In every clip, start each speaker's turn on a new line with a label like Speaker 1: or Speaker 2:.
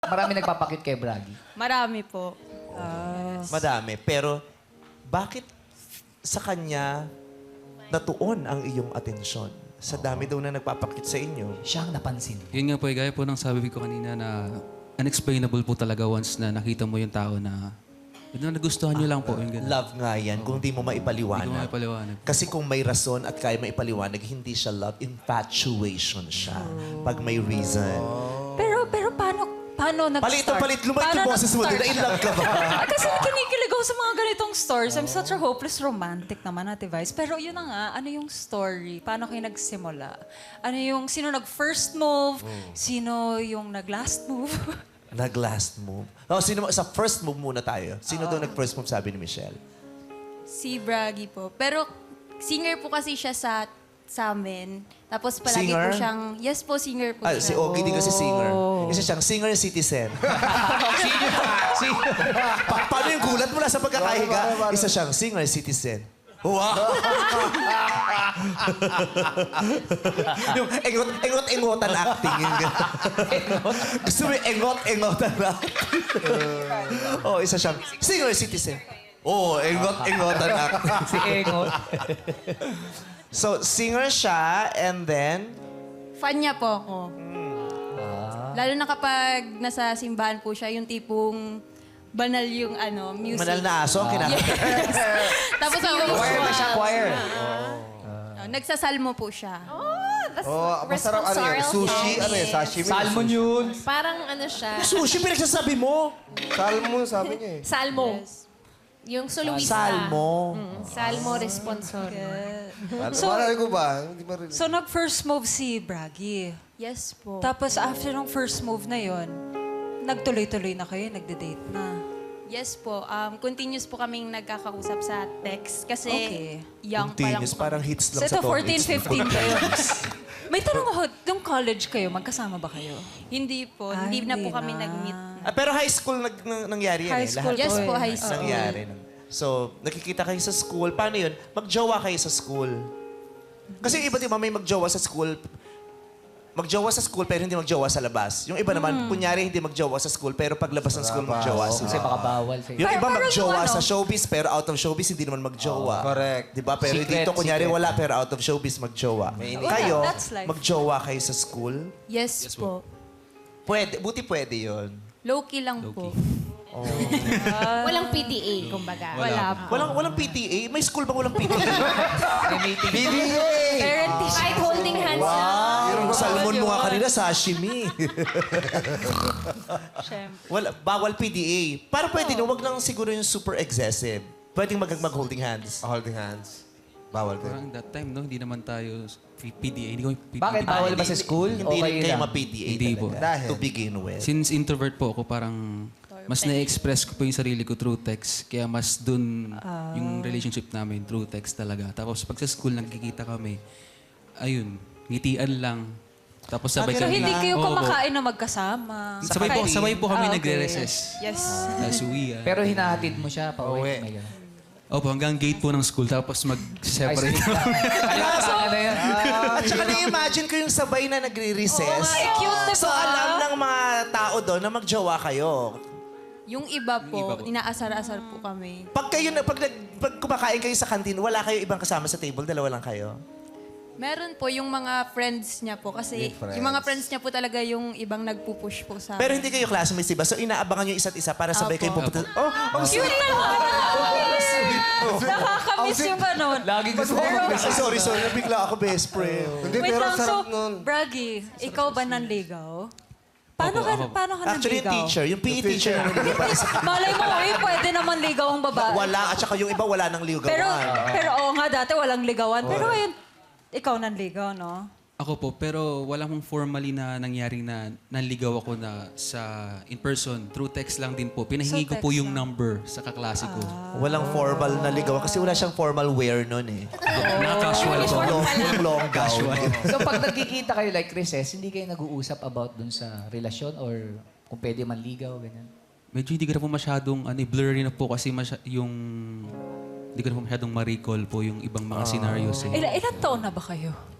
Speaker 1: Marami nagpapakit kay Bragi.
Speaker 2: Marami po.
Speaker 3: Madami. Pero bakit sa kanya natuon ang iyong atensyon? Sa dami daw na nagpapakit sa inyo.
Speaker 1: Siya ang napansin.
Speaker 4: Yun nga po, gaya po ng sabi ko kanina na unexplainable po talaga once na nakita mo yung tao na yun na nagustuhan nyo lang po. Yung ganun.
Speaker 3: Love nga yan kung di mo
Speaker 4: Hindi ko
Speaker 3: maipaliwanag.
Speaker 4: maipaliwanag.
Speaker 3: Kasi kung may rason at kaya maipaliwanag, hindi siya love, infatuation siya. Pag may reason.
Speaker 5: Pero paano nag-start?
Speaker 3: Palit lumait yung boses mo.
Speaker 5: nag-start?
Speaker 3: In love ka ba?
Speaker 5: Kasi kinikilig ako sa mga ganitong stories. I'm such a hopeless romantic naman, Ate Vice. Pero yun na nga, ano yung story? Paano kayo nagsimula? Ano yung, sino nag-first move? Sino yung nag-last move?
Speaker 3: Nag-last move. Oh, sa first move muna tayo. Sino daw nag-first move, sabi ni Michelle?
Speaker 2: Si Bragi po. Pero singer po kasi siya sa amin. Tapos palagi
Speaker 3: Singer?
Speaker 2: po siyang... Yes po, singer po
Speaker 3: Ah,
Speaker 2: siya.
Speaker 3: si Ogie din kasi singer. Isa siyang singer citizen. Paano yung gulat mula sa pagkakahiga? Isa siyang singer citizen. Wow! yung engot-engotan acting. Yung gusto mo yung engot-engotan acting. Oh, isa siyang singer citizen. Oh, engot-engotan acting.
Speaker 1: Si Engot.
Speaker 3: So, singer siya and then...
Speaker 2: Fan niya po ako. Lalo na kapag nasa simbahan po siya, yung tipong banal yung music.
Speaker 3: Manal na aso, kinakanta.
Speaker 2: Tapos yung...
Speaker 1: Choir na siya, choir.
Speaker 2: Nagsasalmo po siya.
Speaker 6: Oh, masarap ano yun? Sushi, ano yun? Sashimi.
Speaker 1: Salmon yun.
Speaker 7: Parang ano siya,
Speaker 3: Sushi, pinagsasabi mo.
Speaker 6: Salmon, sabi niya eh.
Speaker 7: salmo. Yung soloista.
Speaker 3: Salmo.
Speaker 7: Salmo responsor.
Speaker 6: Malay ko ba? Hindi ba rin?
Speaker 5: So, nag-first move si Bragi.
Speaker 2: Yes po.
Speaker 5: Tapos, after ng first move na yon, nagtuloy-tuloy na kayo, nagde-date na.
Speaker 2: Yes po. Continuous po kaming nagkakausap sa text. Kasi
Speaker 5: Okay.
Speaker 2: young pa lang
Speaker 3: Continuous,
Speaker 2: po.
Speaker 3: parang hits lang
Speaker 5: So,
Speaker 3: sa
Speaker 5: ito,
Speaker 3: toilets.
Speaker 5: 14, 15 kayo. May tanong ako, nung college kayo, magkasama ba kayo?
Speaker 2: Hindi po.
Speaker 5: Ah,
Speaker 2: hindi na po
Speaker 5: hindi
Speaker 2: kami
Speaker 5: na.
Speaker 2: nag-meet.
Speaker 3: Pero high school nangyari yan
Speaker 5: High
Speaker 3: eh.
Speaker 5: school
Speaker 3: Lahat
Speaker 2: Yes
Speaker 5: to
Speaker 2: po,
Speaker 5: eh.
Speaker 2: high school.
Speaker 3: nangyari. So, nakikita kayo sa school. Paano yun? Magjowa kayo sa school. Kasi yung iba, di ba, may magjowa sa school. Magjowa sa school pero hindi magjowa sa labas. Yung iba naman, kunyari hindi magjowa sa school pero paglabas ng school magjowa
Speaker 1: Kasi
Speaker 3: sila.
Speaker 1: baka bawal sa'yo.
Speaker 3: Yung iba
Speaker 5: Pero
Speaker 3: magjowa
Speaker 5: yung ano-
Speaker 3: sa showbiz pero out of showbiz hindi naman magjowa.
Speaker 6: correct.
Speaker 3: Di ba? Pero
Speaker 1: Secret,
Speaker 3: dito kunyari
Speaker 1: secret.
Speaker 3: wala pero out of showbiz magjowa. Kayo,
Speaker 5: That's life.
Speaker 3: magjowa kayo sa school?
Speaker 2: Yes, po.
Speaker 3: Pwede, buti pwede yon.
Speaker 2: Low-key lang po.
Speaker 7: Walang PDA, kumbaga.
Speaker 3: Walang PTA? May school bang walang PTA?
Speaker 1: May meeting.
Speaker 5: Parent teacher.
Speaker 7: Kahit holding hands lang.
Speaker 3: Yung salmon mo nga kanina, sashimi. Bawal PDA. Para pwede na, wag lang siguro yung super excessive. Pwedeng mag-holding hands.
Speaker 6: Holding hands. Bawal din.
Speaker 4: Parang that time, no, hindi naman tayo PDA. Hindi ko
Speaker 1: Bakit? Bawal ba sa school?
Speaker 3: Hindi
Speaker 1: O
Speaker 3: rin
Speaker 1: kayo
Speaker 3: kayo
Speaker 1: lang?
Speaker 3: ma-PDA
Speaker 4: Hindi po.
Speaker 3: talaga.
Speaker 6: Dahil?
Speaker 3: To begin with.
Speaker 4: Since introvert po ako, parang mas na-express ko po yung sarili ko through text. Kaya mas dun yung relationship namin through text talaga. Tapos pag sa school nagkikita kami, ayun, ngitian lang. Tapos sabay
Speaker 5: So, hindi kayo
Speaker 4: Oo po.
Speaker 5: kumakain na magkasama.
Speaker 4: Sabay po kami
Speaker 5: Ah, okay.
Speaker 4: nagre-recess.
Speaker 5: Yes.
Speaker 4: Tapos uwi.
Speaker 1: Pero hinahatid mo siya pa
Speaker 6: Uwi.
Speaker 1: uwi. May ganun.
Speaker 4: Opo, hanggang gate po ng school. Tapos
Speaker 1: Ay,
Speaker 4: mag-separate.
Speaker 1: sweet lang. Kasama na yan.
Speaker 3: At saka na-imagine ko yung sabay na nagre-recess.
Speaker 5: Cute, diba?
Speaker 3: So alam ng mga tao doon na magjowa kayo.
Speaker 2: Yung iba po, inaasar-asar po kami.
Speaker 3: Pag kayo pag kumakain kayo sa kantin, wala kayo ibang kasama sa table, dalawa lang kayo.
Speaker 2: Meron po yung mga friends niya po. Kasi
Speaker 6: Good friends.
Speaker 2: yung mga friends niya po talaga yung ibang nagpupush po sa
Speaker 3: Pero hindi kayo classmates, diba? So inaabangan nyo isa't isa para sabay kayo pupunta. Oh, ang
Speaker 5: Cute naman! Nakakamiss yung ganun.
Speaker 1: Lagi gusto ko
Speaker 3: Sorry, nabigla ako best friend.
Speaker 6: Hindi,
Speaker 5: Wait
Speaker 6: pero
Speaker 5: lang, so,
Speaker 6: sarap nun.
Speaker 5: Bragi, ikaw ba nanligaw? Paano
Speaker 4: Ako.
Speaker 5: paano ka
Speaker 3: Actually, yung
Speaker 5: nanligaw?
Speaker 3: teacher, yung PE teacher na nabigla para sa...
Speaker 5: Malay mo, pwede naman ligaw ang babae.
Speaker 3: Wala, at saka yung iba wala nang ligawan.
Speaker 5: Pero oo nga, dati walang ligawan. Pero ngayon, ikaw nanligaw, no?
Speaker 4: Ako po, pero wala mong formally na nangyaring na nanligaw ako na sa in person. Through text lang din po. Pinahingi ko
Speaker 5: So,
Speaker 4: po
Speaker 5: text
Speaker 4: yung
Speaker 5: lang.
Speaker 4: number sa kaklase ko.
Speaker 3: Walang formal na ligawan kasi wala siyang formal wear nun eh.
Speaker 4: Na-casual po.
Speaker 3: Long gown.
Speaker 1: So pag nagkikita kayo like recess, hindi kayo nag-uusap about dun sa relasyon or kung pwede manligaw, ganyan?
Speaker 4: Medyo hindi ko na po masyadong blurry na po kasi yung hindi ko na po masyadong ma-recall po yung ibang mga scenarios. Eh.
Speaker 5: Ilan taon na ba kayo?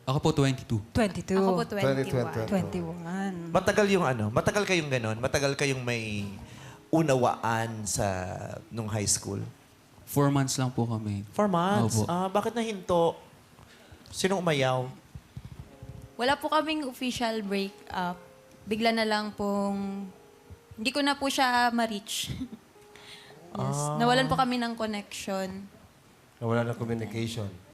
Speaker 4: Ako po 22.
Speaker 5: 22.
Speaker 2: Ako po 21.
Speaker 5: 21.
Speaker 3: Matagal yung matagal kayong ganon? Matagal kayong may unawaan nung high school?
Speaker 4: 4 months lang po kami.
Speaker 3: 4 months?
Speaker 4: Opo.
Speaker 3: Bakit nahinto? Sinong umayaw?
Speaker 2: Wala po kaming official break-up. Bigla na lang pong... Hindi ko na po siya ma-reach. Yes. Nawalan po kami ng connection.
Speaker 6: Nawala ng communication.